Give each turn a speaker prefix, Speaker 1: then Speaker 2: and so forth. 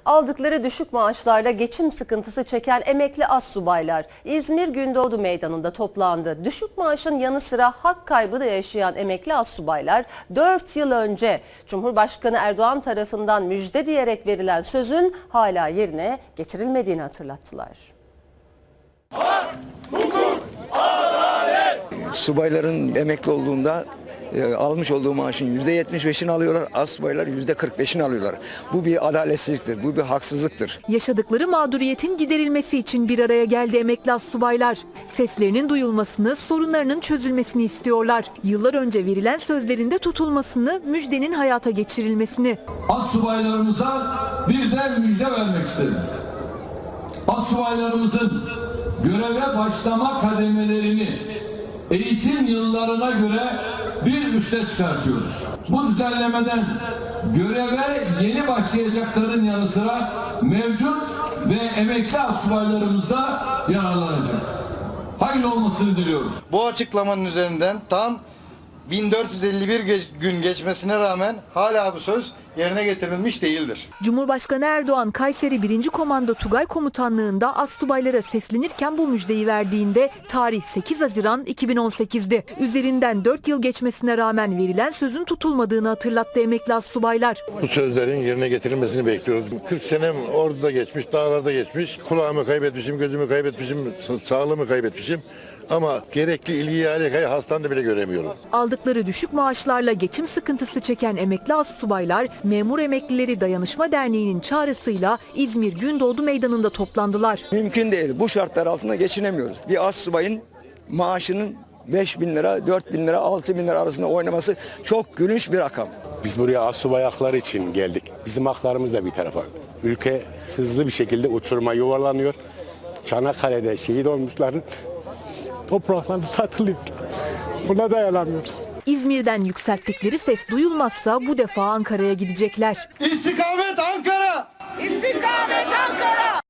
Speaker 1: Aldıkları düşük maaşlarla geçim sıkıntısı çeken emekli astsubaylar İzmir Gündoğdu Meydanı'nda toplandı. Düşük maaşın yanı sıra hak kaybı da yaşayan emekli astsubaylar 4 yıl önce Cumhurbaşkanı Erdoğan tarafından müjde diyerek verilen sözün hala yerine getirilmediğini hatırlattılar.
Speaker 2: Hak, hukuk, adalet.
Speaker 3: Subayların emekli olduğunda almış olduğu maaşın %75'ini alıyorlar, astsubaylar %45'ini alıyorlar. Bu bir adaletsizliktir, bu bir haksızlıktır.
Speaker 4: Yaşadıkları mağduriyetin giderilmesi için bir araya geldi emekli astsubaylar. Seslerinin duyulmasını, sorunlarının çözülmesini istiyorlar. Yıllar önce verilen sözlerinde tutulmasını, müjdenin hayata geçirilmesini.
Speaker 5: Astsubaylarımıza bir de müjde vermek istedim. Astsubaylarımızın göreve başlama kademelerini eğitim yıllarına göre bir üste çıkartıyoruz. Bu düzenlemeden göreve yeni başlayacakların yanı sıra mevcut ve emekli astsubaylarımız da yararlanacak. Hayırlı olmasını diliyorum.
Speaker 6: Bu açıklamanın üzerinden tam 1451 gün geçmesine rağmen hala bu söz yerine getirilmiş değildir.
Speaker 4: Cumhurbaşkanı Erdoğan Kayseri 1. Komando Tugay Komutanlığı'nda astsubaylara seslenirken bu müjdeyi verdiğinde tarih 8 Haziran 2018'di. Üzerinden 4 yıl geçmesine rağmen verilen sözün tutulmadığını hatırlattı emekli astsubaylar.
Speaker 7: Bu sözlerin yerine getirilmesini bekliyoruz. 40 senem orduda geçmiş, dağlarda geçmiş. Kulağımı kaybetmişim, gözümü kaybetmişim, sağlığımı kaybetmişim. Ama gerekli ilgiyi, alakayı hastanede bile göremiyorum.
Speaker 4: Aldıkları düşük maaşlarla geçim sıkıntısı çeken emekli astsubaylar, Memur Emeklileri Dayanışma Derneği'nin çağrısıyla İzmir Gündoğdu Meydanı'nda toplandılar.
Speaker 3: Mümkün değil. Bu şartlar altında geçinemiyoruz. Bir astsubayın maaşının 5.000 lira, 4.000 lira, 6.000 lira arasında oynaması çok gülünç bir rakam.
Speaker 8: Biz buraya astsubay hakları için geldik. Bizim haklarımız da bir tarafa. Ülke hızlı bir şekilde uçuruma yuvarlanıyor. Çanakkale'de şehit olmuşların toprakları satılıyor. Buna dayanamıyoruz.
Speaker 4: İzmir'den yükselttikleri ses duyulmazsa bu defa Ankara'ya gidecekler.
Speaker 6: İstikamet Ankara!
Speaker 2: İstikamet Ankara!